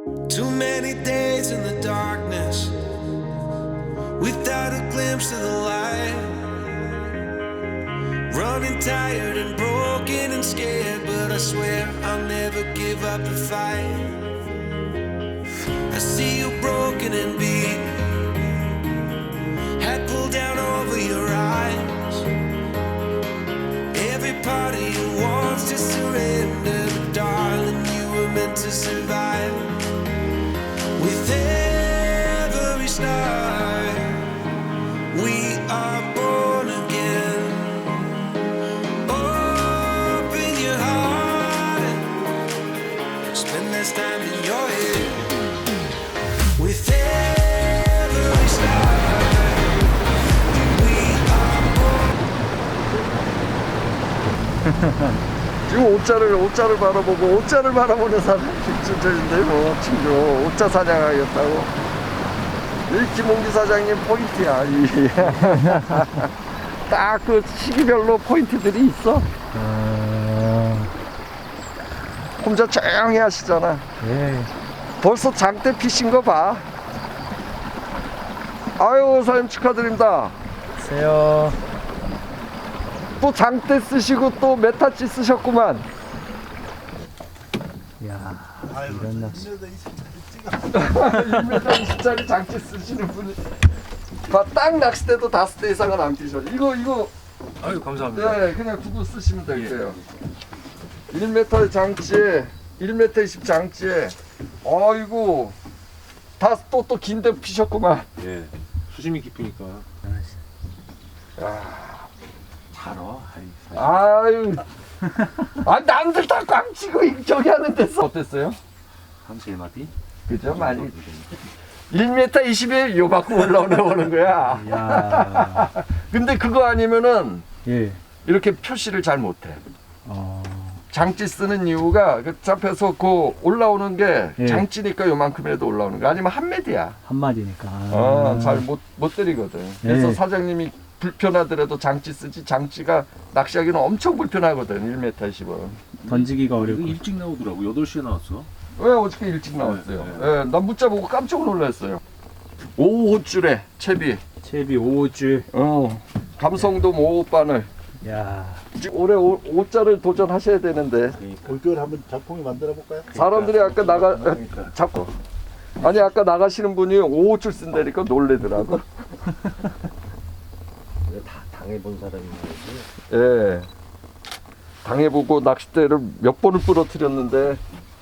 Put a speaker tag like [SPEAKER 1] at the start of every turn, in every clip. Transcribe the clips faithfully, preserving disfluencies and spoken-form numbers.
[SPEAKER 1] Too many days in the darkness without a glimpse of the light. Running tired and broken and scared, but I swear I'll never give up the fight. I see you broken and beat, head pulled down over your eyes. Every part of you wants to surrender, but darling, you were meant to survive. With every star, we are born again. Open your heart, spend less time in your head. With every star, we are born.
[SPEAKER 2] 지금 옷자를 옷자를 바라보고 옷자를 바라보는 사람이 진짜인데 뭐 친구 옷자 사냥하겠다고. 이 김홍기 사장님 포인트야. 딱 그 시기별로 포인트들이 있어.
[SPEAKER 3] 아...
[SPEAKER 2] 혼자 조용히 하시잖아.
[SPEAKER 3] 예.
[SPEAKER 2] 벌써 장대 피신 거 봐. 아유 사장님 축하드립니다.
[SPEAKER 3] 안녕하세요.
[SPEAKER 2] 또 장대 쓰시고 또 메타치 쓰셨구만.
[SPEAKER 3] 이야, 이런 낚시.
[SPEAKER 2] 일 미터 이십짜리 장치 쓰시는 분이 딱 낚싯대도 다섯 대 이상은 안 끼셔. 이거 이거
[SPEAKER 4] 아유 감사합니다.
[SPEAKER 2] 네 그냥 두고 쓰시면 될게요. 일 미터 장치에 일 미터 이십 장치에 아이고 다 또 또 긴데 피셨구만.
[SPEAKER 4] 예, 수심이 깊으니까.
[SPEAKER 2] 야.
[SPEAKER 4] 잘어.
[SPEAKER 2] 아유 아 남들 다 꽝치고 저기 하는 데서 어땠어요?
[SPEAKER 4] 한 세 마디.
[SPEAKER 2] 그죠 많이 일 미터 이십에 요 갖고 올라오는 거야.
[SPEAKER 3] 이야.
[SPEAKER 2] 근데 그거 아니면은
[SPEAKER 3] 예.
[SPEAKER 2] 이렇게 표시를 잘 못해.
[SPEAKER 3] 어.
[SPEAKER 2] 장치 쓰는 이유가 그 잡혀서 그 올라오는 게
[SPEAKER 3] 예.
[SPEAKER 2] 장치니까 요만큼이라도 올라오는 거 아니면 한 매디야.
[SPEAKER 3] 한 마디니까.
[SPEAKER 2] 어, 잘 못 못 때리거든. 그래서
[SPEAKER 3] 예.
[SPEAKER 2] 사장님이 불편하더라도 장치 쓰지. 장치가 낚시하기는 엄청 불편하거든. 일 미터 이십은.
[SPEAKER 3] 던지기가
[SPEAKER 4] 이거
[SPEAKER 3] 어렵고.
[SPEAKER 4] 일찍 나오더라고. 여덟 시에 나왔어.
[SPEAKER 2] 왜 어저께 일찍 나왔어요?
[SPEAKER 4] 네,
[SPEAKER 2] 예, 난 문자 보고 깜짝 놀랐어요. 오 호줄에 채비.
[SPEAKER 3] 채비 오 줄.
[SPEAKER 2] 어. 감성돔 오 바늘.
[SPEAKER 3] 야.
[SPEAKER 2] 지금 올해 오, 오자를 도전하셔야 되는데
[SPEAKER 5] 올겨울 한번 작품을 만들어 볼까요?
[SPEAKER 2] 사람들이 아까 나가
[SPEAKER 5] 그러니까.
[SPEAKER 2] 잡고 아니 아까 나가시는 분이 오 줄 쓴다니까 놀래더라고.
[SPEAKER 5] 다 당해본 사람인 거지.
[SPEAKER 2] 예. 당해보고 낚싯대를 몇 번을 부러뜨렸는데.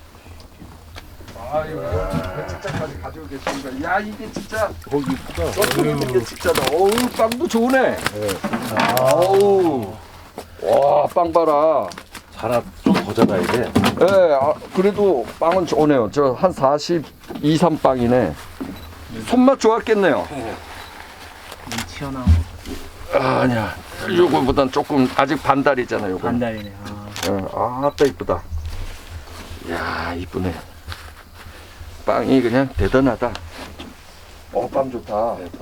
[SPEAKER 2] 아이고, 배측장까지 가지고 계십니다. 야, 이게 진짜.
[SPEAKER 5] 거기 있다.
[SPEAKER 2] 썩는 게 진짜다. 어우, 빵도 좋네. 어우. 와, 빵 봐라.
[SPEAKER 4] 자라 좀 더 자라야 돼.
[SPEAKER 2] 예, 아, 그래도 빵은 좋네요. 저 한 사십이, 삼 빵이네. 손맛 좋았겠네요.
[SPEAKER 3] 튀어나오고.
[SPEAKER 2] 아, 아니야. 요거보단 조금 아직 반달이잖아요. 요거.
[SPEAKER 3] 반달이네. 아.
[SPEAKER 2] 아, 아따 이쁘다. 이야, 이쁘네. 빵이 그냥 대단하다. 어, 빵 좋다.
[SPEAKER 5] 네,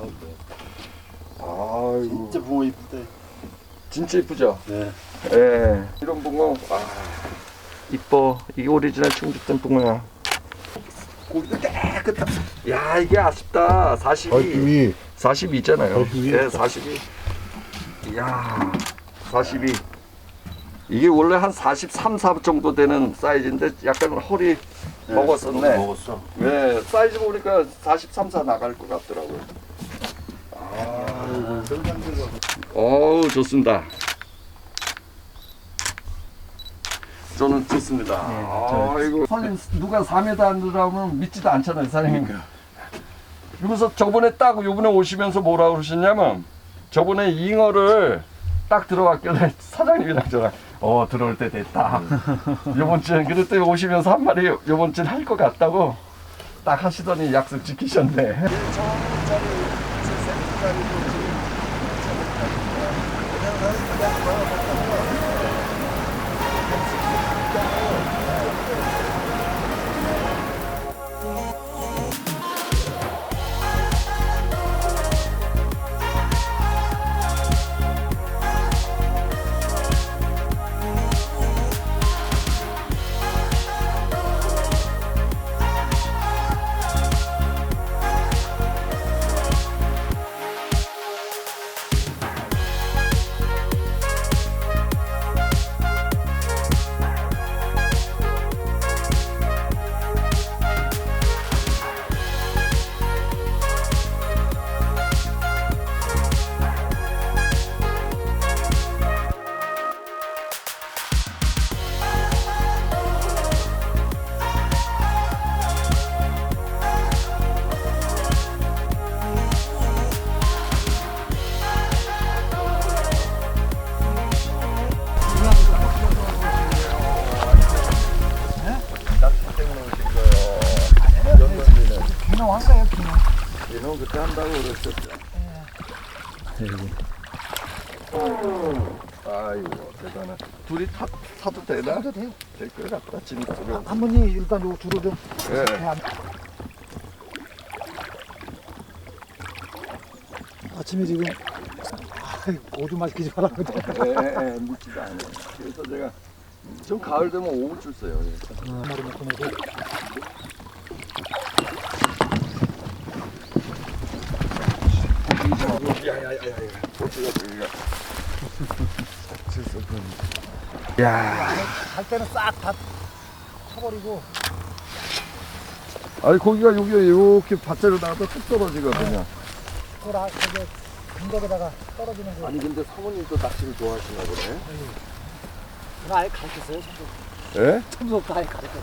[SPEAKER 2] 아이고,
[SPEAKER 5] 진짜 붕어 이쁘다.
[SPEAKER 2] 진짜 이쁘죠?
[SPEAKER 5] 네.
[SPEAKER 2] 예. 이런 붕어, 아, 이뻐. 이게 오리지널 충주댐 붕어야. 고기도 깨끗하. 야, 이게 아쉽다. 사십이.
[SPEAKER 5] 얼굴이
[SPEAKER 2] 사십이잖아요.
[SPEAKER 5] 얼굴이
[SPEAKER 2] 예, 사십이. 이야, 사십이. 이게 원래 한 사십삼, 사 정도 되는 사이즈인데 약간 허리 먹었었네.
[SPEAKER 4] 먹었어.
[SPEAKER 2] 네, 사이즈 보니까 사십삼, 사 나갈 것 같더라고요. 아, 어우, 좋습니다. 저는 좋습니다. 아, 이거 사장님 누가 사 미터 안 들어가면 믿지도 않잖아요, 사장님. 그래서 저번에 딱 요번에 오시면서 뭐라 그러셨냐면 저번에 잉어를 딱 들어갔길래 사장님이랑 저랑 어 들어올 때 됐다. 요번 주엔 그랬더니 오시면서 한 마리 요번 주엔 할 것 같다고 딱 하시더니 약속 지키셨네. 형 그때 한다고 그랬었죠. 아이고 대단해. 둘이 타, 타도 되나?
[SPEAKER 6] 타도 돼요.
[SPEAKER 2] 될 것 같다. 짐으로.
[SPEAKER 6] 한 분이 일단 요 줄을 좀
[SPEAKER 2] 예.
[SPEAKER 6] 배 안- 아침에 지금 아이, 오줌 마시키지 말라거든.
[SPEAKER 2] 예, 예, 묻지도 않아요. 그래서 제가 좀 가을 되면 오후줄 써요. 예.
[SPEAKER 6] 머리 묶고 내고.
[SPEAKER 2] 야야야야. 어쩌다 저기가. 야.
[SPEAKER 6] 갈 때는 싹 다 쳐버리고.
[SPEAKER 2] 아니 고기가 여기 이렇게 밭대로 나가서 뚝 떨어지거든요.
[SPEAKER 6] 그걸 아, 저기 근덕에다가 떨어지는 거.
[SPEAKER 2] 아니 근데 사모님도 낚시를 좋아하시나 보네.
[SPEAKER 6] 나 아예 가르쳤어요. 처음부터.
[SPEAKER 2] 예?
[SPEAKER 6] 처음부터 아예 가르쳤어.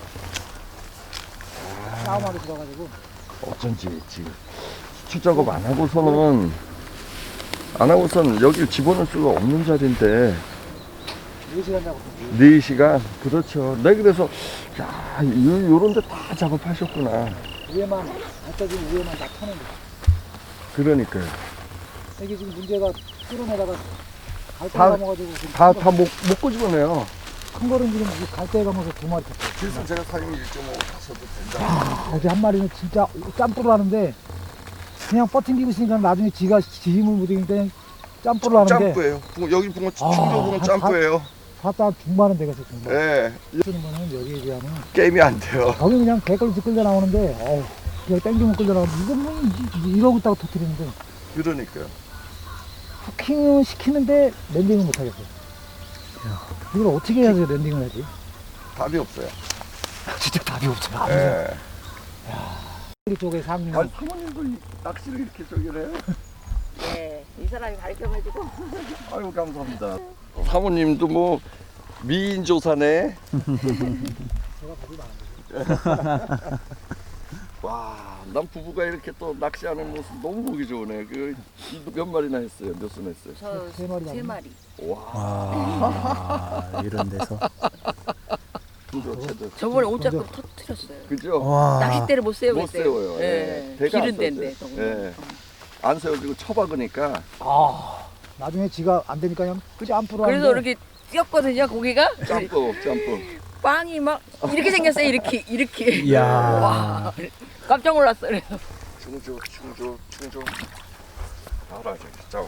[SPEAKER 6] 싸움하게 들어가지고.
[SPEAKER 2] 어쩐지 지금 수출 작업 안 하고서는 안 하고서는 여기 집어넣을 수가 없는 자리인데
[SPEAKER 6] 네 시간 자고.
[SPEAKER 2] 네 시간 그렇죠. 네 그래서 야 요, 요런 데 다 작업하셨구나.
[SPEAKER 6] 위에만 발ጠ진 위에만 다 터는 거.
[SPEAKER 2] 그러니까요.
[SPEAKER 6] 이게 지금 문제가 끌어내다가 갈대
[SPEAKER 2] 다-
[SPEAKER 6] 감아가지고 지금
[SPEAKER 2] 다 다 못 못 끄집어내요.
[SPEAKER 6] 큰 거는 지금 이 갈대 감아서 두 마리 탔어요.
[SPEAKER 2] 그래서 제가 사장님 일 점 오 타셔도 된다.
[SPEAKER 6] 거기 한 마리는 진짜 짬뿌를 하는데 그냥 버팅기고 있으니까 나중에 지가 지 힘을 못 이기니까 짬뿌를 하는데
[SPEAKER 2] 짬뿌예요. 붕어, 여기 붕어
[SPEAKER 6] 아,
[SPEAKER 2] 충도 붕어
[SPEAKER 6] 한
[SPEAKER 2] 짬뿌예요.
[SPEAKER 6] 봤다 한 중반은 되겠어 중반.
[SPEAKER 2] 예.
[SPEAKER 6] 쓰는 거는 여기에 비하면
[SPEAKER 2] 게임이 안 돼요.
[SPEAKER 6] 거기 그냥 개걸리서 끌려 나오는데 어우 그냥 땡기면 끌려 나오는데 이건 뭐 이- 이- 이러고 있다가 터뜨리는데
[SPEAKER 2] 그러니까요.
[SPEAKER 6] 후킹은 시키는데 랜딩은 못 하겠어. 이걸 어떻게 해야지 랜딩을 하지?
[SPEAKER 2] 답이 없어요.
[SPEAKER 6] 진짜 답이 없어요. 아무튼
[SPEAKER 2] 예.
[SPEAKER 6] 우리 쪽에 상류
[SPEAKER 2] 아니 사모님도 이 낚시를 이렇게 저기를 해요?
[SPEAKER 7] 네, 이 사람이 가르쳐가지고.
[SPEAKER 2] 아이고 감사합니다. 사모님도 뭐 미인조사네.
[SPEAKER 6] 제가 답이 많은데.
[SPEAKER 2] 와, 난 부부가 이렇게 또 낚시하는 모습 너무 보기 좋으네. 그 몇 마리나 했어요? 몇 손 했어요?
[SPEAKER 7] 저
[SPEAKER 6] 세 마리
[SPEAKER 7] 세
[SPEAKER 6] 남았네.
[SPEAKER 7] 마리.
[SPEAKER 2] 와,
[SPEAKER 3] 아, 이런 데서.
[SPEAKER 2] 진짜 제대로.
[SPEAKER 7] 저번에 오짝금 터뜨렸어요.
[SPEAKER 2] 그죠?
[SPEAKER 3] 와.
[SPEAKER 7] 낚싯대를 못 세우겠어요.
[SPEAKER 2] 못 세워요. 예. 배가 안
[SPEAKER 7] 기른 데인데.
[SPEAKER 2] 써져요. 예. 안 세워지고 쳐박으니까.
[SPEAKER 6] 아 나중에 지가 안 되니까 그냥 짬뿌를
[SPEAKER 7] 그래서
[SPEAKER 6] 하는데
[SPEAKER 7] 이렇게 뛰었거든요, 고기가.
[SPEAKER 2] 짬뽕, 짬뽕.
[SPEAKER 7] 빵이 막 이렇게 생겼어요, 이렇게, 이렇게.
[SPEAKER 3] 이야.
[SPEAKER 7] 와, 깜짝 놀랐어요. 그래서.
[SPEAKER 2] 충조, 충조, 충조. 알아, 저기 짬.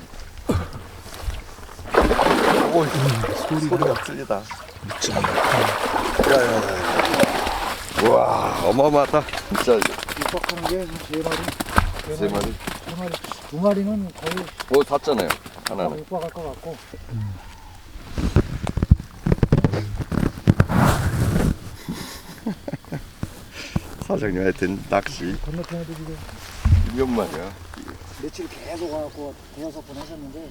[SPEAKER 2] 오, 소리가 틀리다. 야야야. 와, 어마어마하다. 진짜
[SPEAKER 6] 육박하는 게 세 마리,
[SPEAKER 2] 세 마리.
[SPEAKER 6] 세 마리, 두 마리는 거의
[SPEAKER 2] 뭐 샀잖아요. 하나는.
[SPEAKER 6] 육박할 것 같고.
[SPEAKER 2] 사장님 하여튼 낚시
[SPEAKER 6] 건너편에도 지금
[SPEAKER 2] 몇 마리야.
[SPEAKER 6] 며칠 계속 와갖고 대여섯 번 하셨는데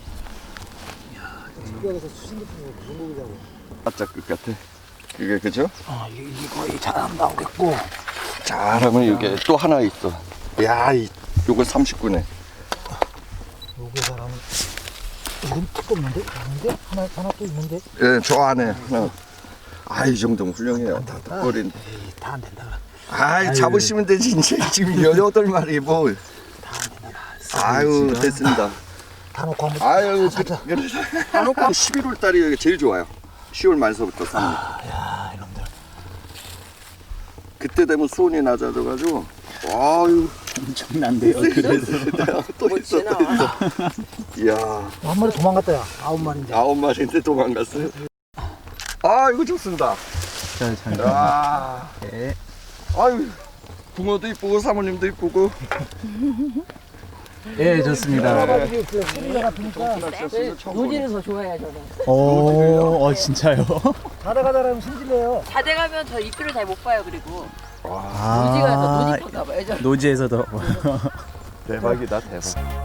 [SPEAKER 6] 특별해서 수신 같은 거 무슨 고기냐고.
[SPEAKER 2] 바짝 끝 같아. 그게 그죠?
[SPEAKER 6] 아 이게, 이게 거의 잘 안 나오겠고.
[SPEAKER 2] 잘하면 이게 또 하나 있어. 야, 이 요거 삼십구네.
[SPEAKER 6] 요게 사람은 이건 뜨겁는데? 아닌데? 하나 하나 또 있는데?
[SPEAKER 2] 예, 저 안에 하나. 아, 이 정도면 훌륭해요. 다 덕거린.
[SPEAKER 6] 에이 다 안 된다 그래.
[SPEAKER 2] 아이, 잡으시면 되지. 이제 지금 여덟 마리 뭐. 아유, 됐습니다.
[SPEAKER 6] 다 놓고 한번.
[SPEAKER 2] 아유,
[SPEAKER 6] 가자.
[SPEAKER 2] 한옥 십일월 달이 제일 좋아요. 시월 말서부터 삼 일.
[SPEAKER 6] 야 이놈들.
[SPEAKER 2] 그때 되면 수온이 낮아져가지고. 아유,
[SPEAKER 3] 엄청난데요. 그래서.
[SPEAKER 2] 또 있어, 또 있어. 이야,
[SPEAKER 6] 한 마리 도망갔다 야. 아홉 마리인데.
[SPEAKER 2] 아홉 마리인데 도망갔어요. 아, 이거 좋습니다.
[SPEAKER 3] 자, 자.
[SPEAKER 2] 아,
[SPEAKER 3] 네.
[SPEAKER 2] 아유, 붕어도 이쁘고 사모님도 이쁘고.
[SPEAKER 3] 예, 좋습니다.
[SPEAKER 6] 가지고 그 소리가 같으니까
[SPEAKER 7] 노지를 더 좋아해요, 저는.
[SPEAKER 3] 오, 어, 진짜요?
[SPEAKER 6] 자다가다라면 승질내요.
[SPEAKER 7] 자대 가면 저 입술을 잘 못 봐요, 그리고.
[SPEAKER 3] 아,
[SPEAKER 7] 노지가 더 노지 건가 봐요, 저는.
[SPEAKER 3] 노지에서도.
[SPEAKER 2] 대박이다, 대박.